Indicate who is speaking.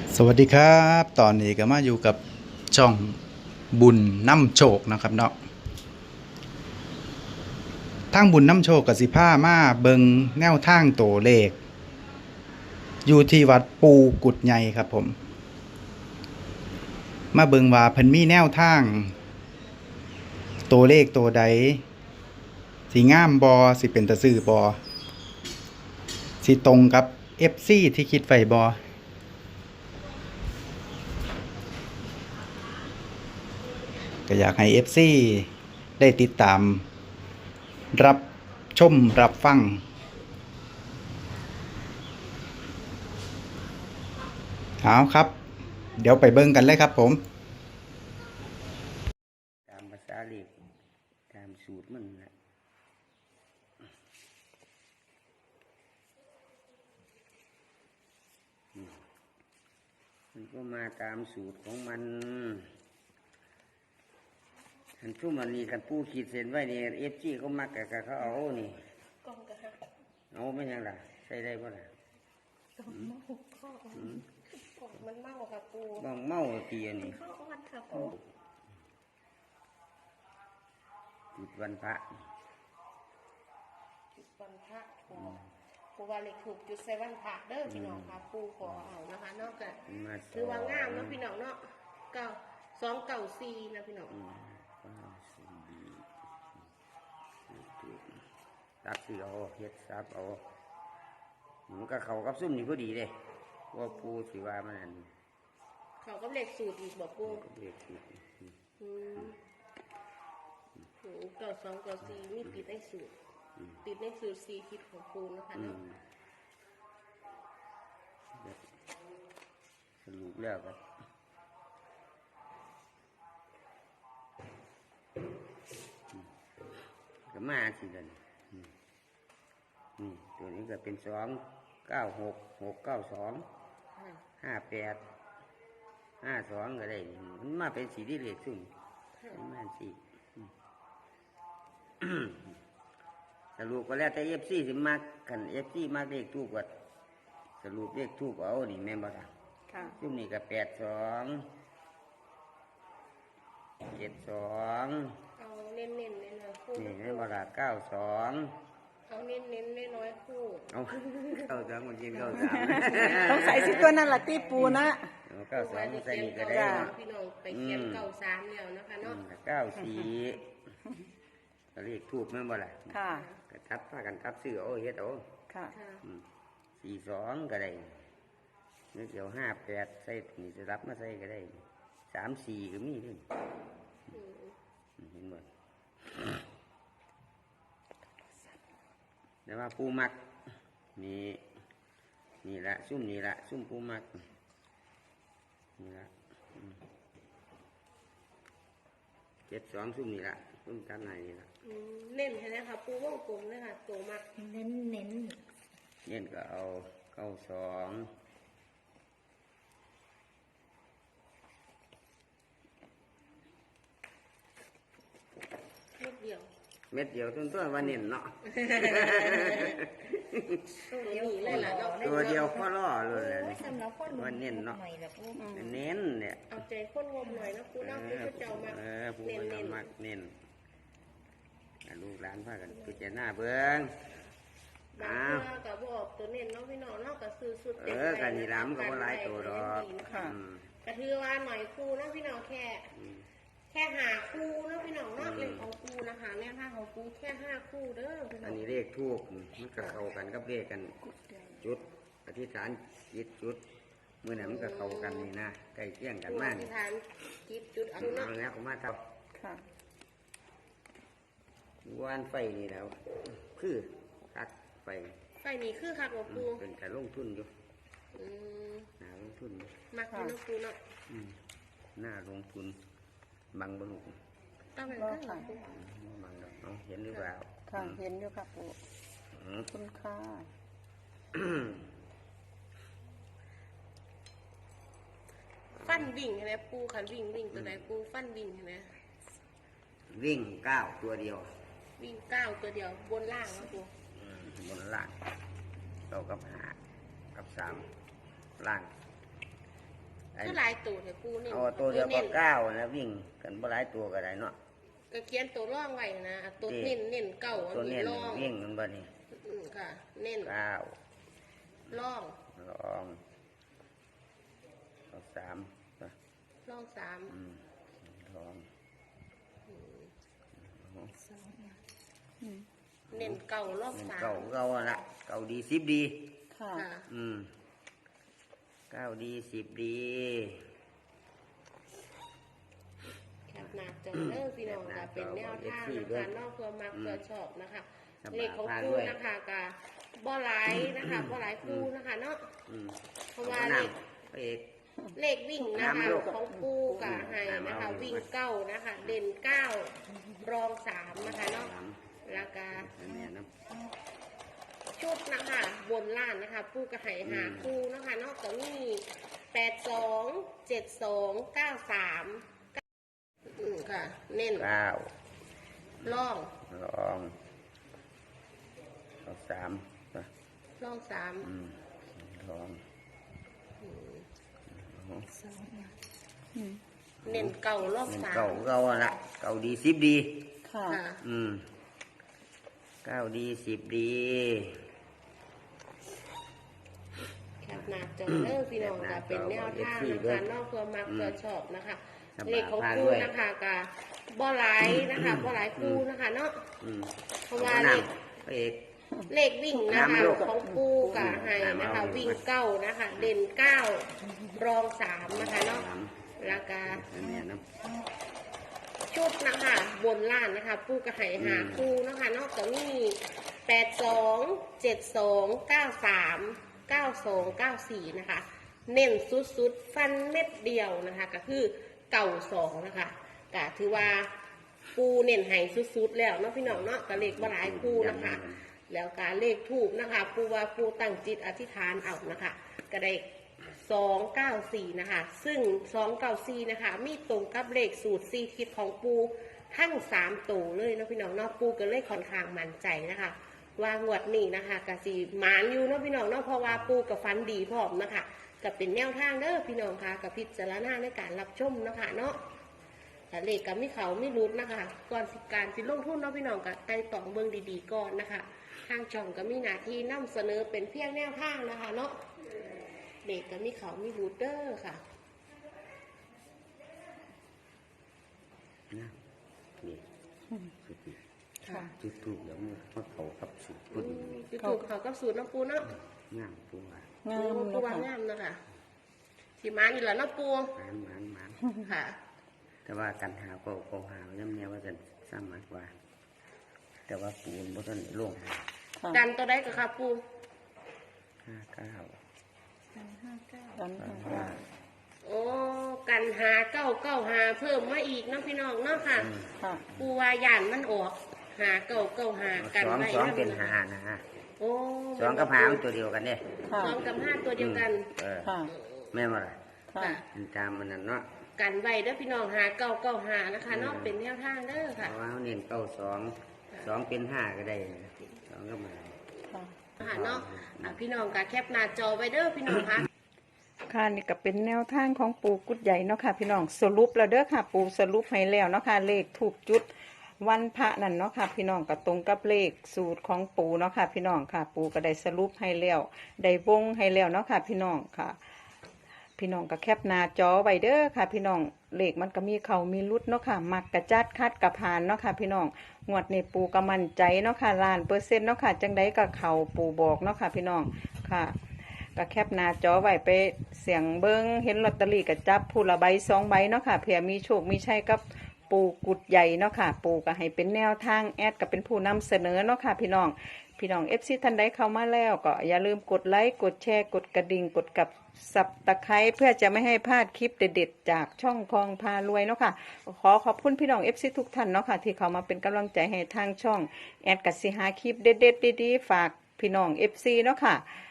Speaker 1: สวัสดีครับตอนนี้ก็มาอยู่กับช่องบุญน้ำโชคนะครับเนาะทางบุญน้ำโชคกับสิผ้ามาเบิงแนวทางโตเลขอยู่ที่วัดปูกุดใหญ่ครับผมมาเบิงว่าเพิ่นมีแนวทางโตเลขโตใดสิงามบอสิเป็นตะซื้อบอสิตรงกับ FC ที่คิดไว้บอก็อยากให้ FC ได้ติดตามรับชมรับฟังเอาครับเดี๋ยวไปเบิ่งกันเลยครับผม
Speaker 2: ตามภาษาเลขตามสูตรมันแหละมันก็มาตามสูตรของมันอันทุ่มอันนี้กันผู้ขีดเส้นไว้นี่FGเขามักกับเขาเอานี่เอาไม่ยังล่ะใช้ได้ป่ะล่ะ
Speaker 3: มันเมาค่ะปู
Speaker 2: บ้องเมาตีอันนี้
Speaker 3: ข้าวอ่อนค่ะปู
Speaker 2: จุดวันพระ
Speaker 3: จุดวันพระปูว่าเลขถูกจุดใส่วันพระเด้อพี่น้องค่ะปูขอเอานะคะนอกจากคือว่างามเนาะพี่น้องเนาะ294นะพี่น้อง
Speaker 2: ตักสิเอาเฮ็ดซับเอามันก็เข้ากับซุ่มนี่พอดีเลยว่าปูสิว่ามันนั่น
Speaker 3: เขาก็เลขสูตรอีกบอกปู
Speaker 2: เลขสูตร
Speaker 3: 9294มีติดในสูตรติดในสูตร4ทิศของปูนะคะเนาะ
Speaker 2: สรุปแล้วก็มาสิเดินตัวนี้ก็เป็น296 692 58 52ก็ได้มันมาเป็นสีที่เลขซุ่มมาสีสรุปก็แล้วแต่FCสิมากกันFCมากเลขทูบก็สรุปเลขทูบเอานี่แม่นบ่ล่ะซุ่มนี่ก็82 72
Speaker 3: เอาเน้นๆเลยนะคู่
Speaker 2: นี่แม่นบ่ล่ะ92
Speaker 3: เอาเน้นๆน้อยๆคู่
Speaker 2: เอา92มันยิง93
Speaker 4: ต้องใส่สิตัวนั่นล่ะตีปูนะ
Speaker 2: 92ใส่นี่ก็ได้
Speaker 3: พี่น้องไปเขียน93แล้วนะคะเนาะ
Speaker 2: 94ก็เลขทูบแม่นบ่ล่ะ
Speaker 4: ค่ะ
Speaker 2: ก็ทับพากันทับซื้อเอาเฮ็ดเอา
Speaker 4: ค่ะ
Speaker 2: 42ก็ได้นึกเดี๋ยว58ใส่นี่จะรับมาใส่ก็ได้34ก็มีด้วยเห็นบ่แต่ว่าปูมักนี่ละซุ่มนี่ละซุ่มปูมักนี่ละ72ซุ่มนี่ละซุ่มกันไหนนี่ละ
Speaker 3: เน้นใช่ไหมคะปูวงกลมเลยค่ะตัวมัก
Speaker 4: เน้น
Speaker 2: ก็เอา92เม็ดเดียวต้นวันเน้นเนาะตัวเดียวข้อล่อเลยวันเน้นเนาะเน้นเนี่ย
Speaker 3: เอาใจข้นงมหน่อยนะปูน้องปูเจ้ามา
Speaker 2: ผู้คนมักเน้นลูกหลานพากันพิจารณาเบิ้ง
Speaker 3: บางเพื่อกับบอกตัวเน้นน้องพี่น้องนอกกับซื้อสุด
Speaker 2: กันนี่ล้ำกับว่าหลายตัวดอก
Speaker 3: กระทือว่าหน่อยคู่น้องพี่น้องแค่หาคู่น้องพี่น้องนอกเลขของคู่นะคะแนวทางของคู่แค่5คู่เด้อ
Speaker 2: อันนี้เลขทูบมันก็เข้ากันกับเลขกันจุดอธิษฐานจิตจุดเมื่อไหร่มันก็เข้ากันนี่นะใกล้เคียงกันมาก
Speaker 3: อธิษฐานจิตจุดเอาเนาะ
Speaker 2: แล้วก็มาทับวันไฟนี่แล้วคือคักไฟ
Speaker 3: นี่คือคักของปู
Speaker 2: เป็นการลงทุนอยู่ลงทุน
Speaker 3: มากที่น้องปูเนาะ
Speaker 2: หน้าลงทุนบังบลูก
Speaker 3: ต้องเป็นข้าง
Speaker 2: บังน้องเห็นหรือเปล่า
Speaker 4: ค่ะเห็นอยู่ค่ะปูคุณค่า
Speaker 3: ฟันวิ่งใช่ไหมปูขันวิ่งตัวไหนปูฟันวิ่งใช่ไหม
Speaker 2: วิ่ง9ตัวเดียว
Speaker 3: วิ่ง9ตัวเดียวบนล่างนะปู
Speaker 2: บนล่าง9กับ5กับ3ล่าง
Speaker 3: คือหลายตัวแต่ปูนี่
Speaker 2: เอาตัวเดียวก็เก้านะวิ่งกันบ่หลายตัวก็ได้เนาะ
Speaker 3: ก็เขียนตัวร่องไว้นะตัวเน้นเก้าอัน
Speaker 2: ตัว
Speaker 3: นี้
Speaker 2: เน้น
Speaker 3: ร่อง
Speaker 2: วิ่งมันบ่นี่
Speaker 3: ค่ะ เน้น
Speaker 2: เก้า
Speaker 3: ร่อง
Speaker 2: ลองเอาสามนะ
Speaker 3: ร่องสาม
Speaker 2: ลอง
Speaker 3: เน้นเก้าร่อง
Speaker 2: เป็น
Speaker 3: สาม
Speaker 2: เก่าเก่าอะละเก่าดีสิบดี
Speaker 4: ค่ะ
Speaker 3: ค่ะ
Speaker 2: เก้าดีสิบดี
Speaker 3: แคปหน้าจอเด้อพี่น้องค่ะเป็นแนวทางนะคะนอกเพื่อมักเพื่อชอบนะคะเลขของคู่นะคะกับบ่หลายนะคะบ่หลายคู่นะคะเนาะ เพราะว่าเลข
Speaker 2: พระเอก
Speaker 3: เลขวิ่งนะคะของปูกับไฮนะคะ วิ่งเก้านะคะ เด่นเก้ารองสามนะคะเนาะแล้วก็
Speaker 2: อันเนี้ยนะ
Speaker 3: ชุดนะคะบนล่านนะคะปูกับไห่หาคู่นะคะนอกจากมี82 72 93ค่ะ เน้น
Speaker 2: เก้า
Speaker 3: ล่อง
Speaker 2: ลองเอาสามนะ
Speaker 3: ล่องสาม
Speaker 2: ลอง
Speaker 3: เน้นเก่าล่อง
Speaker 2: เป็น
Speaker 3: สาม
Speaker 2: เก่าเก่าอะละเก่าดีสิบดี
Speaker 4: ค่ะ
Speaker 3: ค่ะ
Speaker 2: เก้าดีสิบดี
Speaker 3: แคปหน้าจอเด้อพี่น้องค่ะเป็นแนวทางนะคะนอกเพื่อมักเพื่อชอบนะคะเลขของคู่นะคะกับบ่หลายนะคะบ่หลายคู่นะคะเนาะ เพราะว่าเลข
Speaker 2: พระเอก
Speaker 3: เลขวิ่งนะคะของปูกับไฮนะคะ วิ่งเก้านะคะ เด่นเก้ารองสามนะคะเนาะแล้วก็
Speaker 2: อันเนี้ยนะ
Speaker 3: ชุดนะคะบนล่านนะคะ ปูกับไฮหาคู่นะคะนอกจากมี82 72 93 92 94นะคะ เน้นสุดๆฟันเม็ดเดียวนะคะ ก็คือเก่าสองนะคะก็ถือว่าปูเน้นไห้สุดๆแล้วเนาะพี่น้องเนาะกับเลขบ่หลายปูนะคะ แล้วการเลขถูกนะคะ ปูว่าปูตั้งจิตอธิษฐานเอานะคะก็ได้294นะคะ ซึ่ง294นะคะ มีตรงกับเลขสูตร4ทิศของปูทั้ง3ตัวเลยเนาะพี่น้องเนาะปูก็เลยค่อนข้างมั่นใจนะคะว่างวดนี้นะคะกสิหมานอยู่เนาะพี่น้องเนาะเพราะว่าปูกับฟันดีพร้อมนะคะก็เป็นแนวทางเด้อพี่น้องค่ะกับพิจารณาในการรับชมเนาะค่ะเนาะแต่เลขกับมิเขาไม่รุดนะคะก่อนการสิลงทุนเนาะพี่น้องกับไต่ตองเบิ่งดีๆก่อนนะคะทางช่องก็มีหน้าที่นำเสนอเป็นเพียงแนวทางนะคะเนาะเด็กกับมิเขาไม่รุดเด้อค่ะ
Speaker 2: นะนี่สุดที่
Speaker 4: ค่ะ
Speaker 2: จุดถูกแล้วมันเขากับสุดปุ่น
Speaker 3: ยูทูบเขาก็สูตรน้ำปูเนาะ
Speaker 2: งามตัว
Speaker 4: งาม
Speaker 3: ปู
Speaker 4: เนาะ
Speaker 3: ว่า
Speaker 4: ค่ะ
Speaker 3: งามเนาะค่ะสีมาอยู่แล้วเนาะปู
Speaker 2: หมาน
Speaker 3: ค่ะ
Speaker 2: แต่ว่ากันหาก็หาย้ำแนวว่าจะสร้างมากกว่า แต่ว่าปูนบ่ต้นโล่ง
Speaker 4: ค่ะ
Speaker 3: กันตัวได้กับค่ะปู
Speaker 2: 59
Speaker 4: กันค่ะ
Speaker 3: โอ้กันหาเก้าหาเพิ่มมาอีกเนาะพี่น้องเนาะค่ะ
Speaker 4: ค่ะ
Speaker 3: ปูว่าย่านมันออกหาเก้าหากันไว้
Speaker 2: สอง
Speaker 3: นะ
Speaker 2: เป็นหานะฮะ
Speaker 3: โอ้
Speaker 2: สองกับหามันตัวเดียวกันเนี่ย
Speaker 4: ค่ะ
Speaker 3: สองกับห้าตัวเดียวกัน
Speaker 4: ค่ะ
Speaker 2: แม่นว่าล่ะ
Speaker 4: ค่ะ
Speaker 3: ค่ะ
Speaker 2: มันตามมันนั่นเนาะ
Speaker 3: กันไว้เด้อพี่น้องหาเก้าหานะคะเนาะเป็นแนวทางเด้อ
Speaker 2: เพ
Speaker 3: ค่ะ
Speaker 2: ราะว่าเขาเน้น2เป็น5ก็ได้สองก็มา
Speaker 4: ค่ะ
Speaker 3: ค่ะเนาะพี่น้องก็แคปหน้าจอไว้เด้อพี่น้องค่ะ
Speaker 4: ค่ะนี่ก็เป็นแนวทางของปูกุดใหญ่เนาะค่ะพี่น้องสรุปแล้วเด้อค่ะ ปูสรุปให้แล้วเนาะค่ะเลขถูกจุดวันพระนั่นเนาะค่ะพี่น้องก็ตรงกับเลขสูตรของปูเนาะค่ะพี่น้องค่ะ ปูก็ได้สรุปให้แล้วได้วงให้แล้วเนาะค่ะพี่น้องค่ะ พี่น้องก็แคปหน้าจอไว้เด้อค่ะ พี่น้องเลขมันก็มีเขามีรุดเนาะค่ะมักกระจัดคัดกระพานเนาะค่ะพี่น้องงวดนี้ปูก็มั่นใจเนาะค่ะ1,000,000%เนาะค่ะจังไดก็เขาปูบอกเนาะค่ะพี่น้องค่ะ ก็แคปหน้าจอไว้ไปเสียงเบิ้งเห็นลอตเตอรี่ก็จับผู้ละใบ2 ใบเนาะค่ะเผื่อมีโชคมีชัยกับปูกุดใหญ่เนาะค่ะปูก็ให้เป็นแนวทางแอดก็เป็นผู้นำเสนอเนาะค่ะพี่น้องFC ท่านใดเข้ามาแล้วก็อย่าลืมกดไลค์กดแชร์กดกระดิ่งกดกับสับตะไคร้เพื่อจะไม่ให้พลาดคลิปเด็ดๆจากช่องคลองพารวยเนาะค่ะขอบคุณพี่น้อง FC ทุกท่านเนาะค่ะที่เข้ามาเป็นกำลังใจให้ทางช่องแอดก็สิหาคลิปเด็ดๆดีๆฝากพี่น้อง FC เนาะค่ะ